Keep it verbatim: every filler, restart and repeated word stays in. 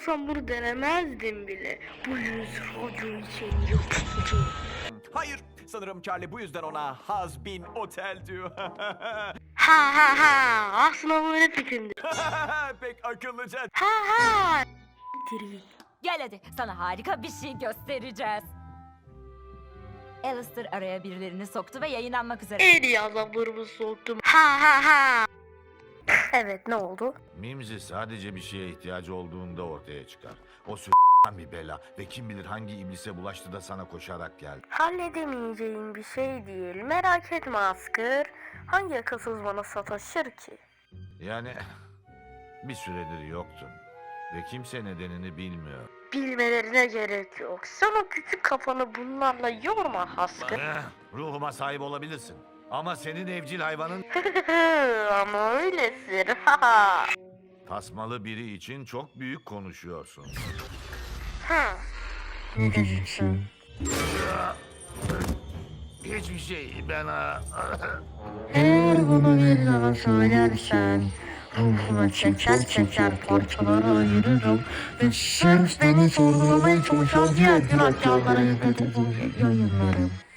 olsam bunu denemezdim bile. Bu yüz radyo için yapıcı. Hayır, sanırım Charlie bu yüzden ona Has Bin Otel diyor. Ha ha ha, aslında bu benim fikrimdi. Pek akıllıca. Ha ha. Diri. Gel hadi, sana harika bir şey göstereceğiz. Alistair araya birilerini soktu ve yayınlanmak üzere. En iyi azaplarımı soktum. Ha ha ha. Evet, ne oldu? Mimzi sadece bir şeye ihtiyacı olduğunda ortaya çıkar. O s*** bir bela ve kim bilir hangi iblise bulaştı da sana koşarak geldi. Halledemeyeceğim bir şey değil. Merak etme Asker. Hangi akılsız bana sataşır ki? Yani bir süredir yoktun ve kimse nedenini bilmiyor. Bilmelerine gerek yok. Sen o küçük kafanı bunlarla yorma Asker. Eh, ruhuma sahip olabilirsin. Ama senin evcil hayvanın Ama öylesin. tasmalı biri için çok büyük konuşuyorsun. Ha. Ne diyeceksin? Hiçbir şey ben... ah, Eğer bunu bir daha söylersen ruhuna çeker çeker parçalara ayırırım ve sırf beni sorgulamaya çalışan diğer günahkarlara yayınlarım.